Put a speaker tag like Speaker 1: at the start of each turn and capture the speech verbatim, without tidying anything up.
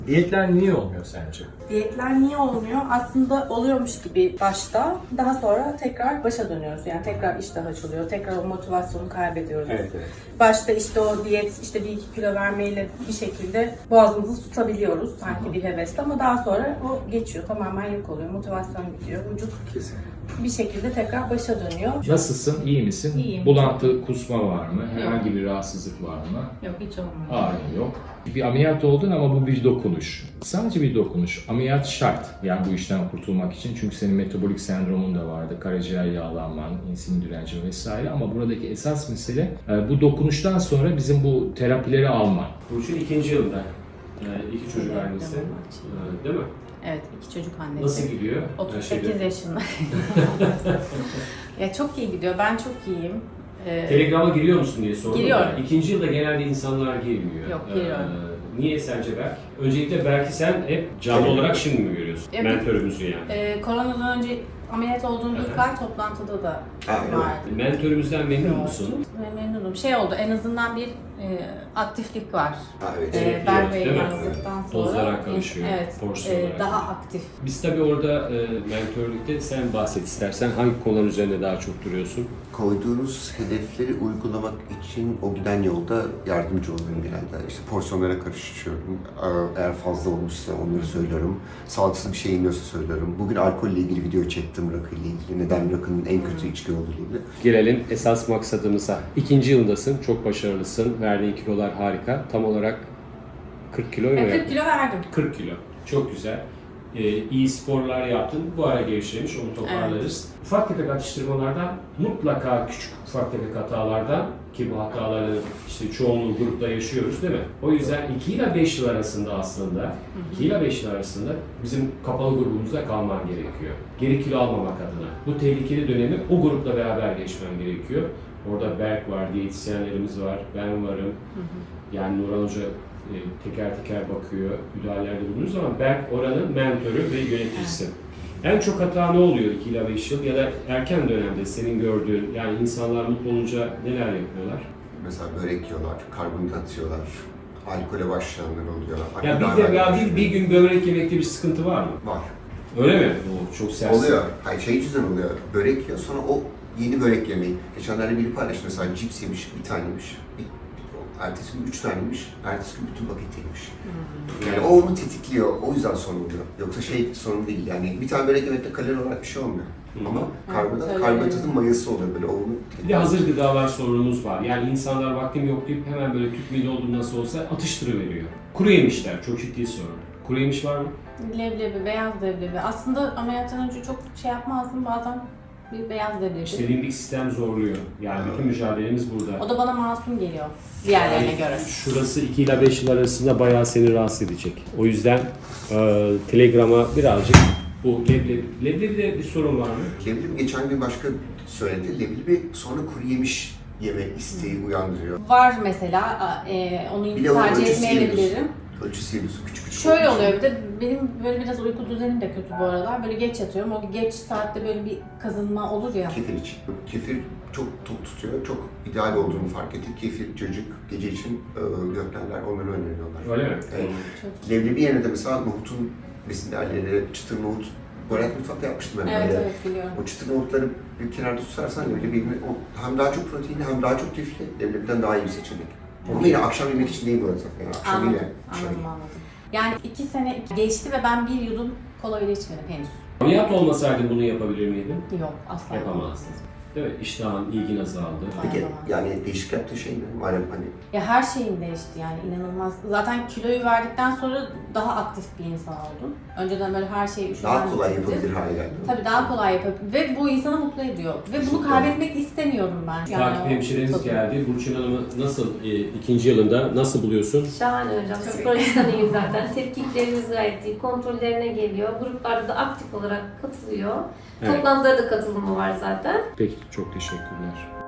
Speaker 1: Diyetler niye olmuyor sence?
Speaker 2: Diyetler niye olmuyor? Aslında oluyormuş gibi başta, daha sonra tekrar başa dönüyoruz. Yani tekrar iştah açılıyor, tekrar o motivasyonu kaybediyoruz.
Speaker 1: Evet, evet.
Speaker 2: Başta işte o diyet, işte bir iki kilo vermeyle bir şekilde boğazımızı tutabiliyoruz sanki bir hevesle, ama daha sonra o geçiyor, tamamen yok oluyor, motivasyon gidiyor, vücut
Speaker 1: Kesinlikle.
Speaker 2: bir şekilde tekrar başa dönüyor.
Speaker 3: Nasılsın? İyi misin?
Speaker 2: İyiyim.
Speaker 3: Bulantı, kusma var mı? Herhangi bir rahatsızlık var mı?
Speaker 2: Yok, hiç olmuyor.
Speaker 3: Ağrın yok. Bir ameliyat oldun ama bu bir dokunuş. Sadece bir dokunuş. Ameliyat şart. Yani bu işten kurtulmak için. Çünkü senin metabolik sendromun da vardı. Karaciğer yağlanman, insülin direnci vesaire. Ama buradaki esas mesele bu dokunuştan sonra bizim bu terapileri alman.
Speaker 4: Burçin ikinci yılda. Yani iki çocuk
Speaker 2: Evet,
Speaker 4: annesi.
Speaker 2: evet.
Speaker 4: Ee, Değil mi?
Speaker 2: Evet, iki çocuk annesi.
Speaker 4: Nasıl gidiyor?
Speaker 2: otuz
Speaker 4: Her
Speaker 2: sekiz
Speaker 4: şeyde.
Speaker 2: yaşında. Ya çok iyi gidiyor, ben çok iyiyim. Ee,
Speaker 4: Telegrama giriyor musun diye sordum.
Speaker 2: Giriyorum.
Speaker 4: da, İkinci yılda genelde insanlar girmiyor.
Speaker 2: Yok, giriyorum.
Speaker 4: Ee, niye sence Berk? Öncelikle Berk'i sen hep canlı olarak şimdi mi görüyorsun?
Speaker 2: Evet.
Speaker 4: Mentörümüzü yani.
Speaker 2: e, koronadan önce ameliyat olduğum ilk ay toplantıda da
Speaker 5: Ha, öyle mi?
Speaker 2: vardı.
Speaker 4: Mentörümüzden memnun musun?
Speaker 2: Ve memnunum. Şey oldu, en azından bir e, aktiflik var.
Speaker 5: Ha, evet.
Speaker 2: E, ben
Speaker 4: değil
Speaker 2: ve
Speaker 4: mi?
Speaker 2: yazdıktan sonra
Speaker 4: Dozlara karışıyor,
Speaker 2: evet,
Speaker 4: porsiyon
Speaker 2: e,
Speaker 4: olarak.
Speaker 2: daha aktif.
Speaker 4: Biz tabii orada e, mentörlükte sen bahset istersen. Hangi konular üzerinde daha çok duruyorsun?
Speaker 5: Koyduğunuz hedefleri uygulamak için o giden yolda yardımcı oluyorum genelde. İşte porsiyonlara karışıyorum. Eğer fazla olmuşsa onları söylüyorum. Sağlıksız bir şey iniyorsa söylüyorum. Bugün alkolle ilgili video çektim, rakıyla ilgili. Neden rakının en kötü içki olduğu ilgili.
Speaker 4: Gelelim esas maksadımıza. İkinci yıldasın, çok başarılısın. Verdiğin kilolar harika. Tam olarak kırk kilo mu
Speaker 2: E,
Speaker 4: yaptın?
Speaker 2: kırk kilo verdim.
Speaker 4: kırk kilo. Çok güzel. Ee, iyi sporlar yaptın. Bu ara gevşemiş, onu toparlarız. Ufak tefek atıştırmalardan, mutlaka küçük ufak tefek hatalardan, ki bu hataları işte çoğunluğu grupta yaşıyoruz değil mi? O yüzden iki ile beş yıl arasında aslında, iki ile beş yıl arasında bizim kapalı grubumuzda kalman gerekiyor. Geri kilo almamak adına. Bu tehlikeli dönemi o grupla beraber geçmen gerekiyor. Orada Berk var, diyetisyenlerimiz var, ben varım. Yani Nurhan Hoca e, teker teker bakıyor, müdahalelerde bulunuyoruz ama Berk oranın mentörü ve yöneticisi. En çok hata ne oluyor iki ila beş yıl ya da erken dönemde senin gördüğün, yani insanlar mutlu olunca neler yapıyorlar?
Speaker 5: Mesela börek yiyorlar, karbonhidrat yiyorlar, alkole başlayanlar oluyor.
Speaker 4: Ya bir de ya bir, bir gün börek yemekte bir sıkıntı var mı?
Speaker 5: Var.
Speaker 4: Öyle mi? O çok sert.
Speaker 5: Oluyor. Hayır, şey yüzünden oluyor. Börek yiyor, sonra o yeni börek yemeği. Geçenlerde biri paylaştı mesela, cips yemiş, bir tane yemiş. Bir, bir- ertesi gün üç tane yemiş, ertesi gün bütün paket yemiş. Yani o onu tetikliyor, o yüzden sorun oluyor. Yoksa şey sorun değil, yani bir tane börek yemekte kalori olarak bir şey olmuyor.
Speaker 4: Hı.
Speaker 5: Ama
Speaker 2: Evet,
Speaker 5: karbonhidrat,
Speaker 2: öyle.
Speaker 5: karbonhidratın mayası oluyor böyle, o onu
Speaker 4: Bir de
Speaker 5: tetikliyor.
Speaker 4: hazır gıdalar sorunumuz var. Yani insanlar vaktim yok deyip hemen böyle tüp mide olduğu nasıl olsa atıştırıveriyor. Kuru yemişler çok ciddi sorun. Kuru yemiş var mı?
Speaker 2: Leblebi, beyaz leblebi. Aslında ameliyattan önce çok şey yapmazdım, bazen bir beyaz leblebi.
Speaker 4: İşte limbik sistem zorluyor. Yani bütün mücadelemiz burada.
Speaker 2: O da bana masum geliyor diğerlerine göre.
Speaker 4: Şurası iki ile beş yıl arasında bayağı seni rahatsız edecek. O yüzden e, Telegram'a birazcık bu leblebi, leblebide bir sorun var mı?
Speaker 5: Leblebi geçen gün başka söyledi, leblebi sonra kuru yemiş yeme isteği uyandırıyor.
Speaker 2: Var mesela, a- e, onu
Speaker 5: Bir de onun
Speaker 2: tercih
Speaker 5: ölçüsü
Speaker 2: etmeyebilirim.
Speaker 5: yiyorsun. Ölçüsü yiyorsun, küçük küçük.
Speaker 2: Şöyle
Speaker 5: olduğu için.
Speaker 2: oluyor, bir de benim böyle biraz uyku düzenim de kötü bu aralar. Böyle geç yatıyorum, o geç saatte böyle bir kazınma olur ya.
Speaker 5: Kefir için. Kefir çok tok tutuyor, çok ideal olduğunu fark ettik. Kefir, cacık, gece için e, gökdelenler onları öneriyorlar.
Speaker 4: Öyle mi?
Speaker 5: Evet.
Speaker 2: Çok-
Speaker 5: Leblebi yerine de mesela nohutun besin değerleri, çıtır nohut, Borat mutfakta yapmıştım ben
Speaker 2: Evet
Speaker 5: böyle.
Speaker 2: evet biliyorum.
Speaker 5: O çıtır nohutları bir kenarda tutarsan leblebi o hem daha çok proteinli hem daha çok lifli, leblebiden daha iyi bir seçenek. Ama yine akşam yemek için değil bu arada. Yani akşam
Speaker 2: Anladım,
Speaker 5: yine şey.
Speaker 2: anladım anladım. Yani iki sene geçti ve ben bir yudum kola bile içmedim henüz.
Speaker 4: Ameliyat olmasaydın bunu yapabilir miydin?
Speaker 2: Yok, asla
Speaker 4: Yapamazdın. Değil mi? İştahın, ilgin azaldı.
Speaker 5: Peki yani değişik yaptığı şey ne? Madem hani
Speaker 2: Ya her şeyim değişti yani, inanılmaz. Zaten kiloyu verdikten sonra daha aktif bir insan oldum. Önceden böyle her şeyi üşüden
Speaker 5: daha kolay
Speaker 2: bitirdim.
Speaker 5: yapabilir hale geldi.
Speaker 2: Tabii daha kolay yapabilir ve bu insanı mutlu ediyor. Ve bunu
Speaker 5: Kesinlikle.
Speaker 2: kaybetmek istemiyorum ben.
Speaker 4: Takip
Speaker 2: o-
Speaker 4: hemşireniz
Speaker 2: tabii.
Speaker 4: geldi. Burçin Hanım'ı nasıl e, ikinci yılında nasıl buluyorsun?
Speaker 6: Şahane hocam. Psikolojiden iyi zaten. Tetkiklerimiz gayet iyi. Kontrollerine geliyor. Gruplarda da aktif olarak katılıyor.
Speaker 4: Evet.
Speaker 6: Toplantılara da katılımı var zaten.
Speaker 4: Peki, çok teşekkürler.